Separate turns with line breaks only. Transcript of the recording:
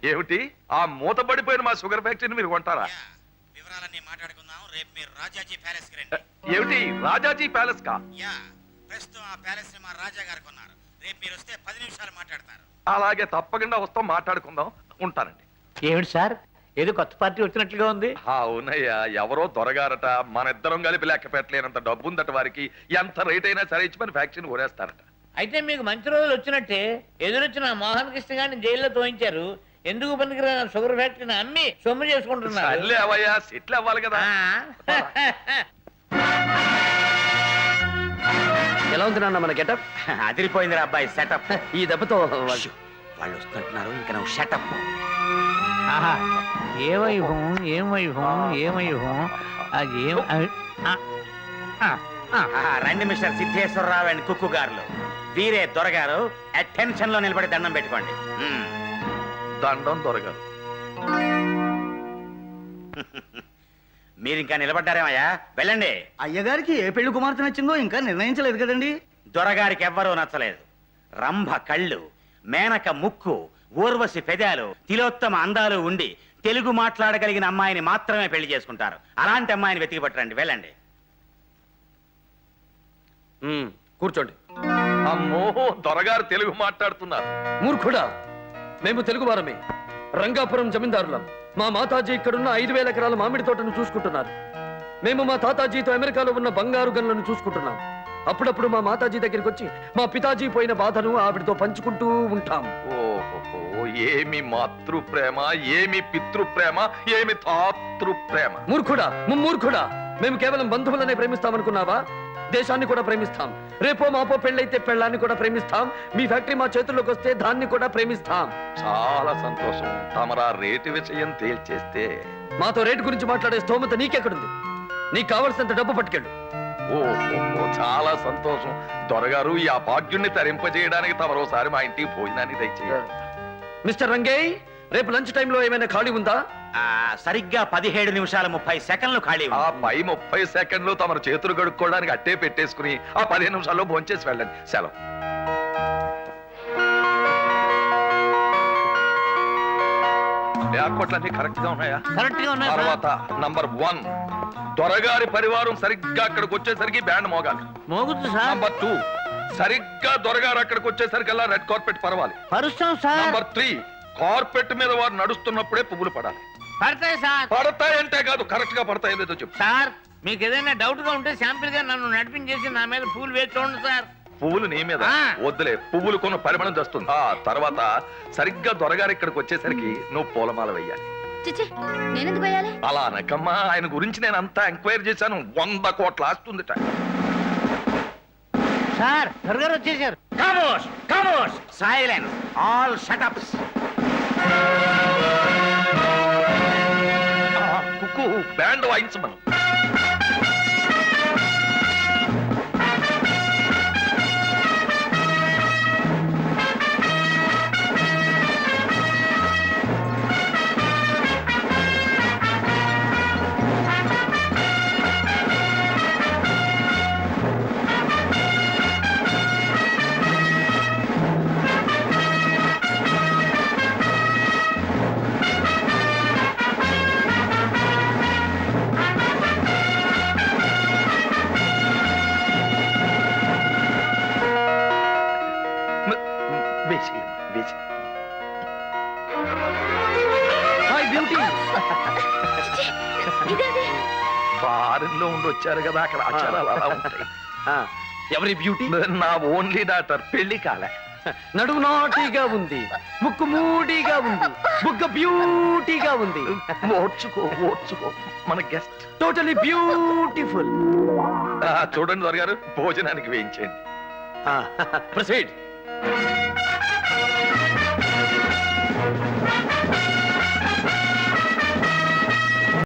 ఏమిటి ఆ మూతపడిపోయిన మా షుగర్ ఫ్యాక్టరీని మీరు కొంటారా?
వివరాలన్నీ మాట్లాడుకుందాం. రేపు మీరు రాజాజీ ప్యాలెస్ కి రండి.
ఏమిటి రాజాజీ ప్యాలెస్ కా?
ప్రస్తుతం ఆ ప్యాలెస్ ని మా రాజా గారు కొన్నారు. రేపు మీరు వస్తే 10 నిమిషాలు మాట్లాడతారు.
అలాగే తప్పకుండా వస్తాం, మాట్లాడుకుందాం. ఉంటానండి.
ఏమిటి సార్, ఏదో కొత్త పార్టీ వచ్చినట్లుగా ఉంది.
అవునయ్యా, ఎవరో దొరగారట, మన ఇద్దరం కలిపి లెక్క పెట్టలేనంత డబ్బు ఉందట వారికి. ఎంత రేట్ అయినా సరే ఇచ్చి మన ఫ్యాక్టరీని కొనేస్తారట.
అయితే మీకు మంచి రోజులు వచ్చినట్టే. ఎదురొచ్చిన మోహన్ కృష్ణ గారిని జైల్లో తోయించారు. ఎందుకు పనికిరాని షుగర్ ఫ్యాక్టరీని అమ్మి సొమ్ము చేసుకుంటున్నారు.
అవయ్యా, సెటిల్ అవ్వాలి కదా.
ఎలా ఉంది నాన్న మన గెటప్?
అదిరిపోయిందిరా అబ్బాయి సెటప్.
ఈ దెబ్బతో
వాళ్ళు వస్తున్నట్టున్నారు. ఇంకా నువ్వు షటప్.
ఏ వైభవం, ఏం వైభవం, ఏం వైభవం.
రండి మిస్టర్ సిద్ధేశ్వరరావు అండ్ కుక్కు గారు. వీరే దొరగారు. అటెన్షన్ లో నిలబడి దండం పెట్టుకోండి.
దండం దొరగారు.
మీరు ఇంకా నిలబడ్డారేమయ్యా? వెళ్ళండి.
అయ్యగారికి ఏ పెళ్లి కుమార్తె నచ్చిందో ఇంకా నిర్ణయించలేదు కదండి.
దొరగారికి ఎవ్వరూ నచ్చలేదు. రంభ కళ్ళు, మేనక ముక్కు, ఊర్వశి పెదాలు, తిలోత్తమ అందాలు ఉండి తెలుగు మాట్లాడగలిగిన అమ్మాయిని మాత్రమే పెళ్లి చేసుకుంటారు. అలాంటి అమ్మాయిని వెతికి పట్టరండి. వెళ్ళండి.
కూర్చోండి.
అమ్మో, దొరగారు తెలుగు మాట్లాడుతున్నారు.
మూర్ఖుడా, మేము తెలుగు వారమే. రంగాపురం జమీందారులం. మా మాతాజీ ఇక్కడున్న 5,000 ఎకరాల మామిడి తోటను చూసుకుంటున్నారు. మేము మా తాతాజీతో అమెరికాలో ఉన్న బంగారు గనులను చూసుకుంటున్నాం. అప్పుడప్పుడు మా మాతాజీ దగ్గరికి వచ్చి మా పితాజీ పోయిన బాధను ఆవిడతో పంచుకుంటూ ఉంటాం.
ఓహో, ఏమి మాతృ ప్రేమ, ఏమి పితృ ప్రేమ, ఏమి తాతృ ప్రేమ.
మూర్ఖుడా, ముమ్మూర్ఖుడా, మేము కేవలం బంధువులనే ప్రేమిస్తామనుకున్నావా? దేశాన్ని కూడా ప్రేమిస్తాం. రేపో మాపో పెళ్ళైతే పెళ్ళాన్ని కూడా ప్రేమిస్తాం. మీ ఫ్యాక్టరీ మా చేతుల్లోకి వస్తే దాన్ని కూడా ప్రేమిస్తాం.
చాలా సంతోషం. తమరా రేటు విషయం తేల్చేస్తే.
మాతో రేటు గురించి మాట్లాడే స్తోమత నీకెక్కడుంది? నీకు కావలసినంత డబ్బు పట్టుకెళ్ళు.
ఓహో, చాలా సంతోషం. దొరగారు, ఈ అభాగ్యుణ్ణి తరింపజేయడానికి తమరోసారి మా ఇంటికి భోజనాన్ని దయచేయాలి.
మిస్టర్ రంగేయ్, రేపు లంచ్ టైంలో ఏమైనా ఖాళీ ఉందా?
సరిగ్గా 17 నిమిషాల 30 సెకండ్లు ఖాళీ.
ఆ పై 30 సెకండ్లు తమరు చేతులు కడుక్కోవడానికి అట్టే పెట్టేసుకుని ఆ 15 నిమిషాల్లో భోంచేసి వెళ్ళండి. సెలవు. ఏర్పాట్లన్నీ కరెక్ట్ గా ఉన్నాయా?
కరెక్ట్ గా ఉన్నాయి.
తర్వాత నంబర్ 1, దొరగారి పరివారం సరిగ్గా అక్కడికి వచ్చేసరికి బ్యాండ్ మోగాలి.
మోగుతుంది సార్.
నంబర్ 2, సరిగ్గా దొరగారు అక్కడికి వచ్చేసరికల్లా రెడ్ కార్పెట్ పరవాలి.
పరుస్తాం సార్.
నంబర్ 3, కార్పెట్ మీద వారు నడుస్తున్నప్పుడే పువ్వులు పడాలి.
పడతాయి సార్.
పడతాయంటే కాదు, కరెక్ట్ గా పడతాయి లేదో చెప్పు.
సార్, మీకు ఏదైనా డౌట్ గా ఉంటే శాంపిల్ గా నన్ను నడిపించేసి నా మీద పూలు వేసి చూడండి సార్.
పువ్వులు నీ మీద వద్దులే, పువ్వులు కొన్న పరిమాణం తెస్తుంది. ఆ తర్వాత సరిగ్గా దొరగారు ఇక్కడికి వచ్చేసరికి నువ్వు పూలమాల వెయ్యాలి.
నేనెందుకు వేయాలి?
అలా అనకమ్మా, ఆయన గురించి నేను అంతా ఎంక్వైరీ చేశాను. 100 కోట్ల ఆస్తుందిట.
సార్, దొరగారు వచ్చేసారు.
ఖమోష్, ఖమోష్, సైలెన్స్, ఆల్ షటప్స్.
కుక్కు, బ్యాండ్ వాయించమను. ఫారిన్ లో ఉండి వచ్చారు కదా, అక్కడ ఆచారాలు అలా ఉంటాయి.
ఎవరి బ్యూటీ?
నా ఓన్లీ డాటర్. పెళ్లి కాలే.
నడుము నాటిగా ఉంది, ముక్కు మూడిగా ఉంది, బుగ్గ బ్యూటీగా ఉంది.
ఓడ్చుకో, ఓడ్చుకో. మన గెస్ట్
టోటలీ బ్యూటిఫుల్.
చూడండి దొరగారు, భోజనానికి వేయించండి.
ప్రొసీడ్.